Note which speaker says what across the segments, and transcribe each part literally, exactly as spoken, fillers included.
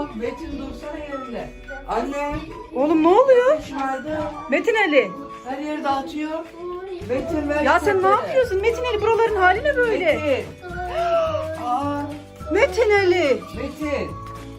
Speaker 1: Metin dursana yerinde. Anne.
Speaker 2: Oğlum ne oluyor?
Speaker 1: Şımardı.
Speaker 2: Metin Ali.
Speaker 1: Her yeri dağıtıyor. Metin ver.
Speaker 2: Ya sen ne yapıyorsun Metin Ali? Buraların hali ne böyle?
Speaker 1: Metin. Aa,
Speaker 2: Metin Ali.
Speaker 1: Metin.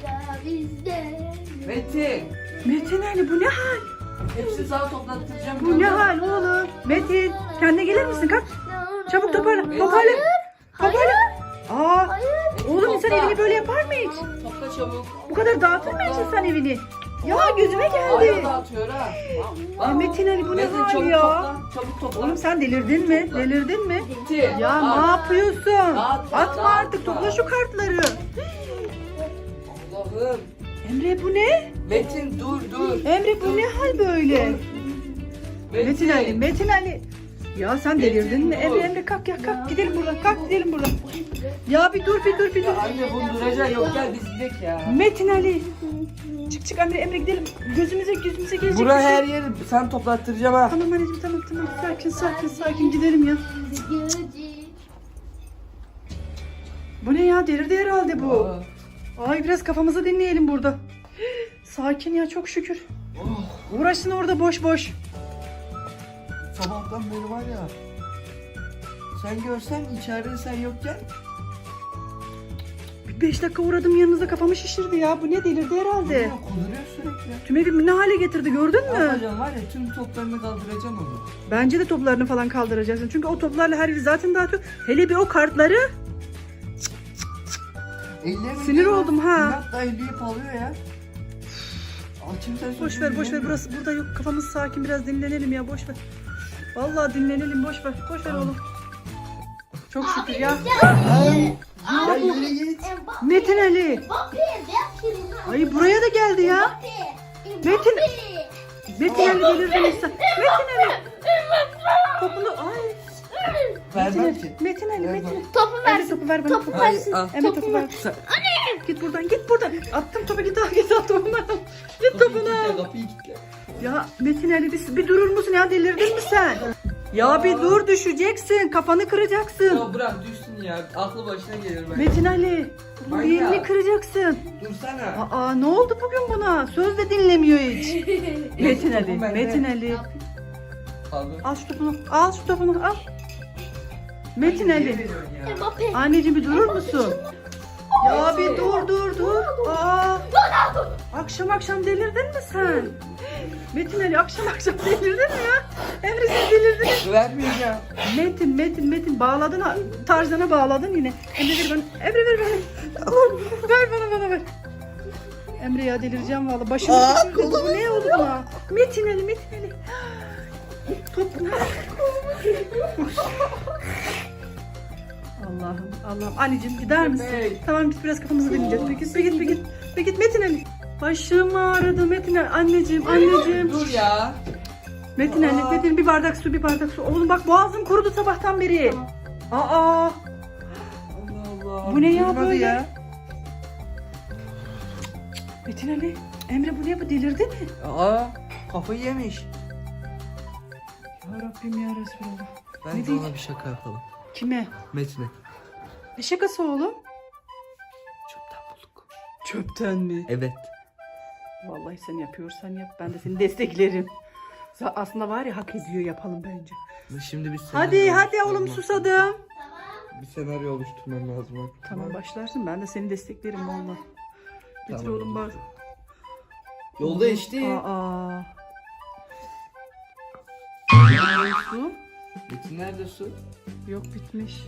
Speaker 1: Metin.
Speaker 2: Metin Ali bu ne hal?
Speaker 1: Hepsini sana toplattıracağım.
Speaker 2: Bu ne hal oğlum? Metin kendine gelir misin? Kalk. Çabuk toparla. Toparla. Toparla. Aa, oğlum insan evini böyle yapar mı hiç?
Speaker 1: Topla çabuk.
Speaker 2: Bu kadar dağıtır mı hiç insan evini? Ya gözüme
Speaker 1: Hala
Speaker 2: geldi.
Speaker 1: dağıtıyor ha.
Speaker 2: Ay Metin Ali bu ne
Speaker 1: Metin
Speaker 2: hal
Speaker 1: çabuk
Speaker 2: ya?
Speaker 1: topla. Çabuk topla.
Speaker 2: Oğlum sen delirdin mi? Delirdin mi?
Speaker 1: Metin.
Speaker 2: Ya
Speaker 1: al.
Speaker 2: ne yapıyorsun?
Speaker 1: Dağıtma,
Speaker 2: Atma artık,
Speaker 1: dağıtma.
Speaker 2: topla şu kartları.
Speaker 1: Allah'ım.
Speaker 2: Emre bu ne?
Speaker 1: Metin dur dur.
Speaker 2: Emre bu ne hal böyle? Metin Ali, Metin Ali. Ya sen delirdin mi?
Speaker 1: Metin,
Speaker 2: Emre
Speaker 1: dur.
Speaker 2: Emre kalk ya kalk gidelim buradan. Kalk gidelim buradan. Ya bir dur bir dur bir dur.
Speaker 1: Ya anne bunu duracaksın yok gel biz gidelim ya.
Speaker 2: Metin Ali. Çık çık Emre Emre gidelim. Gözümüze gözümüze gelecek.
Speaker 1: Bura
Speaker 2: bir şey.
Speaker 1: her yeri sen toplattıracağım ha.
Speaker 2: Tamam anneciğim tamam tamam. Sakin sakin sakin gidelim ya. Bu ne ya? Delirdi herhalde bu.
Speaker 1: Aa.
Speaker 2: Ay biraz kafamızı dinleyelim burada. Sakin ya çok şükür.
Speaker 1: Oh,
Speaker 2: Uğraşsın orada boş boş.
Speaker 1: sabahtan beri var ya. Sen görsen içeride sen yokken.
Speaker 2: Bir beş dakika uğradım yanınıza kafamı şişirdi ya. Bu ne delirdi herhalde.
Speaker 1: Ya, kuduruyor sürekli.
Speaker 2: Tüm evi ne hale getirdi gördün
Speaker 1: Ne
Speaker 2: mü?
Speaker 1: yapacağım var ya tüm toplarını kaldıracağım onu.
Speaker 2: Bence de toplarını falan kaldıracaksın. Çünkü o toplarla her yeri zaten dağıtıyor. Hele bir o kartları.
Speaker 1: Ellerim
Speaker 2: Sinir oldum ha.
Speaker 1: İnatla elleyip alıyor ya. Açım sen
Speaker 2: Boş ver boş ver burası burada yok. Kafamız sakin biraz dinlenelim ya boş ver. Vallahi dinlenelim boş ver. Boş ver oğlum. Çok şükür ya.
Speaker 1: Ya yürü git.
Speaker 2: Metin Ali. Ay buraya da geldi ya. Metin. Metin Ali delirdin insan. Metin Ali. Topunu ay. Metin
Speaker 1: Vermem
Speaker 2: Ali.
Speaker 1: ki.
Speaker 2: Metin Ali.
Speaker 1: Ver
Speaker 2: Metin
Speaker 1: bana.
Speaker 2: Ali.
Speaker 3: Topu
Speaker 2: Emre
Speaker 3: versin.
Speaker 2: topu ver bana.
Speaker 3: Topu
Speaker 2: Topu.
Speaker 3: versin.
Speaker 1: Al.
Speaker 2: Emre topu ver.
Speaker 1: Sen-
Speaker 2: Git buradan git buradan. Attım topu git al git al topunu al. Git topunu al.
Speaker 1: Kapıyı kilitle.
Speaker 2: Ya Metin Ali bir, bir durur musun ya delirdin mi sen? Ya bir dur düşeceksin kafanı kıracaksın.
Speaker 1: Ya bırak düşsün ya. Aklı başına gelir ben.
Speaker 2: Metin Ali bu
Speaker 1: Manyak.
Speaker 2: yerini kıracaksın.
Speaker 1: Dursana.
Speaker 2: Aa ne oldu bugün buna? Söz de dinlemiyor hiç. Metin Ali,
Speaker 1: Topum bende.
Speaker 2: Metin Ali.
Speaker 1: Kaldır.
Speaker 2: Al şu topunu, al şu topunu, al. Metin
Speaker 1: Niye
Speaker 2: Ali.
Speaker 1: veriyorsun ya?
Speaker 3: Mbappe.
Speaker 2: Anneciğim bir durur musun? Ya bir dur dur dur. Aa. Akşam akşam delirdin mi sen? Metin Ali akşam akşam delirdin mi ya? Emre sen delirdin.
Speaker 1: Vermeyeceğim.
Speaker 2: Metin Metin Metin bağladın ha. Tarzana bağladın yine. Emre ver bana. Emre ver bana. Allah'ım, ver bana bana ver. Emre ya delireceğim vallahi. Başımı
Speaker 1: Aa,
Speaker 2: şişirdi. Bu
Speaker 1: kolumu
Speaker 2: ne oldu buna? Metin Ali Metin Ali. Top. Allah'ım Allah'ım. Anneciğim gider misin?
Speaker 1: Bey.
Speaker 2: Tamam git biraz kafamızı dinleyeceğiz. Bir git bir git bir git. Bir git Metin Ali. Başım ağrıdı Metin Ali. Anneciğim anneciğim.
Speaker 1: Dur ya.
Speaker 2: Metin Ali,
Speaker 1: Aa.
Speaker 2: Metin bir bardak su, bir bardak su. Oğlum bak boğazım kurudu sabahtan beri. Aa,
Speaker 1: Allah Allah.
Speaker 2: Bu ne ya
Speaker 1: Durmadı
Speaker 2: böyle? Metin Ali, Emre bu ne bu delirdi mi?
Speaker 1: Aa, kafayı yemiş.
Speaker 2: Ya Rabbim ya Resulallah. Ne
Speaker 1: Bence
Speaker 2: diyeyim?
Speaker 1: ona bir şaka yapalım.
Speaker 2: Kime?
Speaker 1: Metin'e.
Speaker 2: Ne şakası oğlum?
Speaker 1: Çöpten bulduk.
Speaker 2: Çöpten mi?
Speaker 1: Evet.
Speaker 2: Vallahi sen yapıyorsan yap, ben de seni desteklerim. Za- Aslında var ya hak ediyor yapalım bence.
Speaker 1: Şimdi bir
Speaker 2: Hadi
Speaker 1: senaryo
Speaker 2: hadi oğlum
Speaker 1: oluşturmam-
Speaker 2: susadım.
Speaker 1: Bir senaryo oluşturmam lazım. Bak.
Speaker 2: Tamam başlarsın ben de seni desteklerim vallahi. Getir
Speaker 1: Tamam.
Speaker 2: oğlum bak.
Speaker 1: Yolda işte.
Speaker 2: Aa. Su?
Speaker 1: Metin nerede su?
Speaker 2: Yok bitmiş.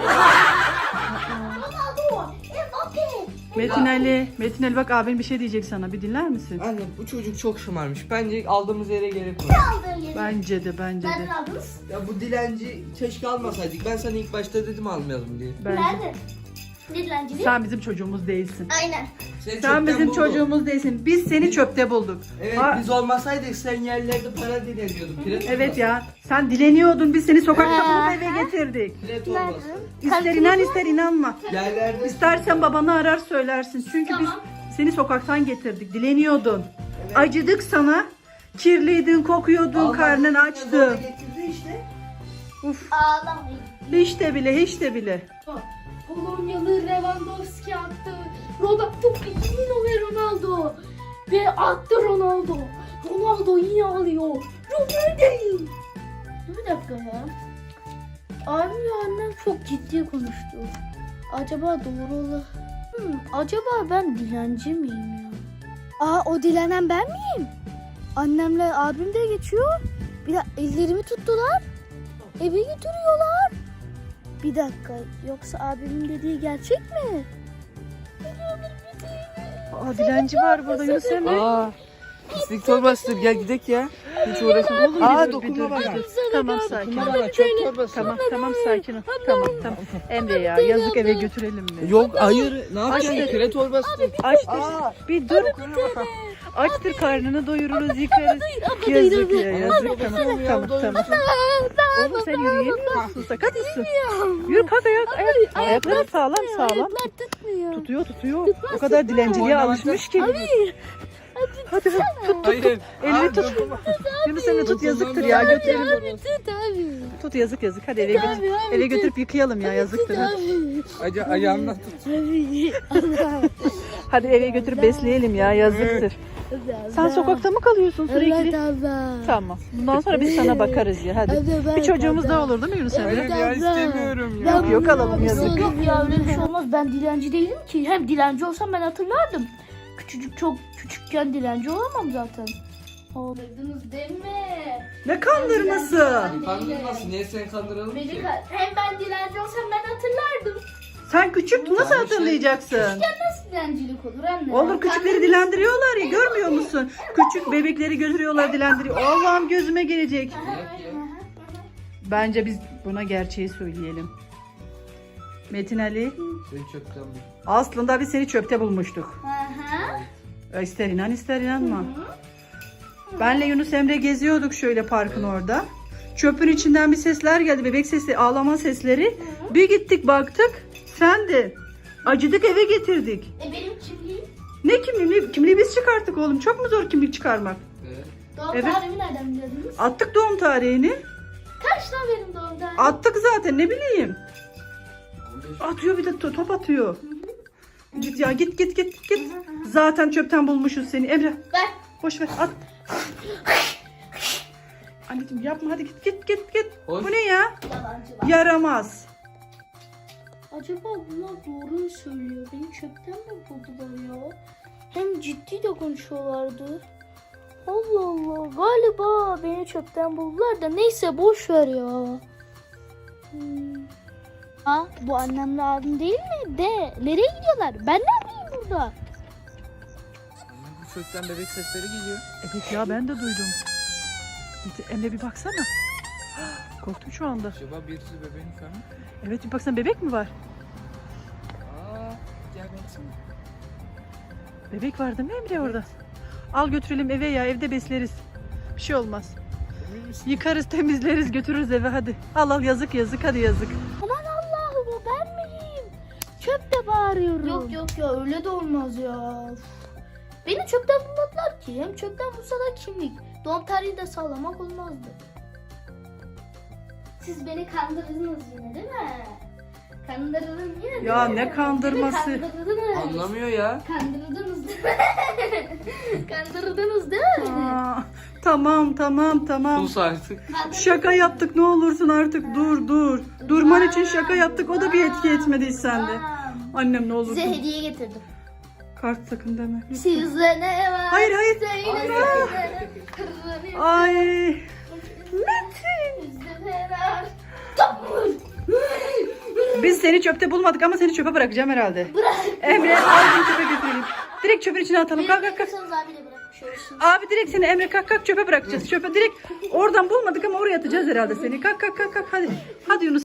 Speaker 3: Mbappe.
Speaker 2: Metin Ali, Metin Ali bak abin bir şey diyecek sana. Bir dinler misin?
Speaker 1: Anne bu çocuk çok şımarmış. Bence aldığımız yere gerek var.
Speaker 2: Bence de bence de.
Speaker 3: Nereden aldınız?
Speaker 1: Ya bu dilenci keşke almasaydık. Ben sana ilk başta dedim almayalım diye.
Speaker 2: Bence.
Speaker 3: Nerede? Ne dilencili?
Speaker 2: Sen bizim çocuğumuz değilsin.
Speaker 3: Aynen.
Speaker 1: Seni
Speaker 2: Sen
Speaker 1: çöpten
Speaker 2: bizim
Speaker 1: buldum.
Speaker 2: çocuğumuz değilsin. Biz seni çöpte bulduk.
Speaker 1: Evet
Speaker 2: Ha,
Speaker 1: biz olmasaydık sen yerlerde para dileniyordun. Piret
Speaker 2: evet ya. Sen dileniyordun. Biz seni sokakta
Speaker 3: Ha.
Speaker 2: bulup eve getirdik.
Speaker 1: Piret olmasın.
Speaker 2: İster inan ister inanma.
Speaker 1: Yerlerde
Speaker 2: İstersen babanı arar söylersin. Çünkü biz
Speaker 3: Tamam.
Speaker 2: seni sokaktan getirdik. Dileniyordun. Acıdık sana. Kirliydin, kokuyordun,
Speaker 1: Alman
Speaker 2: karnın
Speaker 1: zorla
Speaker 2: açtı.
Speaker 1: getirdi işte.
Speaker 2: Uf.
Speaker 3: Ağlamayın.
Speaker 2: Hiç de bile, hiç de bile.
Speaker 3: Polonyalı Lewandowski attı. Robert Topik iki bin Ronaldo. Ve attı Ronaldo. Ronaldo yine alıyor. Ronaldo değil. Dur bir dakika ya. Abim ve annem çok ciddi konuştu. Acaba doğru olur. Hmm, acaba ben dilenci miyim ya?
Speaker 4: Aa, o dilenen ben miyim? Annemle abim de geçiyor. Bir de ellerimi tuttular. Eve götürüyorlar. Bir dakika, yoksa abimin dediği gerçek mi?
Speaker 2: Aa, dilenci var burada Yunus Emre.
Speaker 1: Aa. Pislik torbasıdır gel gidek ya. Hiç uğraşma.
Speaker 2: Oğlum,
Speaker 1: Aa
Speaker 2: bir dur, bir
Speaker 1: dokunma
Speaker 2: dur,
Speaker 1: bana.
Speaker 2: bir dur. Tamam sakin.
Speaker 1: Dokunma bana çöp torbası.
Speaker 2: Tamam tamam sakin ol. Tamam tamam. Emre ya yazık, eve götürelim mi?
Speaker 1: Yok hayır ne yapacaksın
Speaker 2: Aç-
Speaker 1: küre torbası.
Speaker 2: Açtır.
Speaker 1: Aa.
Speaker 2: Bir dur.
Speaker 1: Dokunma bana.
Speaker 2: Açtır, karnını doyururuz, yıkarız. Yazık ya yazık. Tamam tamam tamam. Oğlum sen yürüyemiyor musun? Sakatsın. Yürü kalk ayak. ayak. Ayakların sağlam sağlam.
Speaker 4: Ayaklar tutmuyor.
Speaker 2: Tutuyor tutuyor. O kadar dilenciliğe alışmış ki. Hadi tut tut.
Speaker 1: Hayır.
Speaker 2: Elini
Speaker 1: Aa,
Speaker 2: tut.
Speaker 1: dokunma.
Speaker 2: Yunus Emre tut,
Speaker 1: Dokunma
Speaker 2: yazıktır
Speaker 1: bana.
Speaker 2: ya, götürelim.
Speaker 4: Tut abi.
Speaker 2: Tut yazık yazık. Hadi eve götür. Eve götürüp yıkayalım ya, yazıktır. Hadi.
Speaker 1: Aca ayağımdan tut.
Speaker 4: Abi. Allah.
Speaker 2: Hadi eve götürüp besleyelim ya, yazıktır. Sen sokakta mı kalıyorsun
Speaker 4: Evet
Speaker 2: sürekli?
Speaker 4: abla.
Speaker 2: Tamam. Bundan sonra biz sana bakarız ya, hadi.
Speaker 4: Evet, evet,
Speaker 2: Bir çocuğumuz
Speaker 4: abla.
Speaker 2: daha olur değil mi Yunus
Speaker 1: Hayır
Speaker 2: Emre?
Speaker 1: ya istemiyorum ya.
Speaker 2: Yok yok, alalım yazık.
Speaker 3: Yok ya öyle bir şey olmaz. Ben dilenci değilim ki. Hem dilenci olsam ben hatırlardım. Küçücük çok küçükken dilenci olamam zaten. Anladınız değil mi?
Speaker 2: Ne kandırması?
Speaker 1: Kandırmasın niye seni kandıralım
Speaker 3: Beni
Speaker 1: ki?
Speaker 3: ka- hem ben dilenci olsam ben hatırlardım.
Speaker 2: Sen küçüktün, nasıl
Speaker 1: Tamam,
Speaker 2: hatırlayacaksın?
Speaker 3: Nasıl dilencilik olur anne?
Speaker 2: Olur, küçükleri dilendiriyorlar ya, görmüyor musun? Küçük bebekleri götürüyorlar, dilendiriyor. Allah'ım gözüme gelecek. Bence biz buna gerçeği söyleyelim. Metin Ali,
Speaker 1: Seni çöpten bul.
Speaker 2: aslında biz seni çöpte bulmuştuk.
Speaker 3: Hı hı.
Speaker 2: İster inan ister inanma. Benle Yunus Emre geziyorduk şöyle parkın orada. Çöpün içinden bir sesler geldi, bebek sesi, ağlama sesleri. Bir gittik baktık, sendin. Acıdık, eve getirdik.
Speaker 3: E benim kimliğim?
Speaker 2: Ne kimliği? Kimliği biz çıkarttık oğlum. Çok mu zor kimlik çıkarmak?
Speaker 1: Evet.
Speaker 3: Doğum
Speaker 2: Evet.
Speaker 3: tarihimi nereden bildiniz?
Speaker 2: Attık doğum tarihini.
Speaker 3: Kaç lan benim doğum tarihim?
Speaker 2: Attık zaten, ne bileyim.
Speaker 1: on beş.
Speaker 2: Atıyor, bir de to- top atıyor. Git ya, git git git git. Zaten çöpten bulmuşuz seni. Emre
Speaker 3: Ver.
Speaker 2: boş ver, at. Anneciğim yapma, hadi git git git git.
Speaker 1: Hoş.
Speaker 2: Bu ne ya?
Speaker 3: Yalancılar.
Speaker 2: Yaramaz.
Speaker 3: Acaba bunlar doğru mu söylüyor? Beni çöpten mi buldular ya? Hem ciddi de konuşuyorlardı. Allah Allah. Galiba beni çöpten buldular da neyse boş ver ya. Hmm.
Speaker 4: Ha, bu annemle abim değil mi? De, nereye gidiyorlar? Ben ne yapayım burada?
Speaker 1: Anne bu çöpten bebek sesleri geliyor.
Speaker 2: Evet ya, ben de duydum. Git Emre, bir baksana. Korktum şu anda.
Speaker 1: Acaba birisi bebeğin falan?
Speaker 2: Evet, bir baksana, bebek mi var?
Speaker 1: Aa gel baksana.
Speaker 2: Bebek var değil mi Emre orada? Al götürelim eve ya, evde besleriz. Bir şey olmaz.
Speaker 1: Emin misin?
Speaker 2: Yıkarız, temizleriz, götürürüz eve, hadi. Al al, yazık yazık, hadi yazık.
Speaker 4: Aman Allah'ım, o ben miyim? Çöpte bağırıyorum.
Speaker 3: Yok yok ya öyle de olmaz ya. Beni çöpten bulmadılar ki. Hem çöpten bulsalar kimlik. Doğum tarihi de sağlamak olmazdı. Siz beni kandırdınız yine değil mi? Kandırdın yine değil
Speaker 2: Ya
Speaker 3: mi?
Speaker 2: ne kandırması?
Speaker 3: Değil mi? Kandırdınız.
Speaker 1: Anlamıyor ya.
Speaker 3: Kandırdınız değil mi? Kandırdınız değil mi?
Speaker 2: Aa, tamam tamam tamam.
Speaker 1: Sus artık.
Speaker 2: Şaka yaptık, ne olursun artık, dur dur. Durman için şaka yaptık, o da bir etki etmedi sende.
Speaker 3: Tamam.
Speaker 2: Annem ne
Speaker 3: Size
Speaker 2: olursun.
Speaker 3: hediye getirdim.
Speaker 2: Kart sakın deme.
Speaker 3: Sizde ne var?
Speaker 2: Hayır hayır.
Speaker 3: Söylesene.
Speaker 2: Ay.
Speaker 3: Sizde ne var?
Speaker 2: Biz seni çöpte bulmadık ama seni çöpe bırakacağım herhalde.
Speaker 3: Bırak.
Speaker 2: Emre al beni çöpe götürelim. Direkt çöpün içine atalım. Kalk kalk kalk.
Speaker 3: Bırakırsanız abi de bırakmış olursun.
Speaker 2: Abi direkt seni Emre kalk kalk, çöpe bırakacağız. Çöpe direkt oradan bulmadık ama oraya atacağız herhalde seni. Kalk kalk kalk kalk, hadi. Hadi Yunus.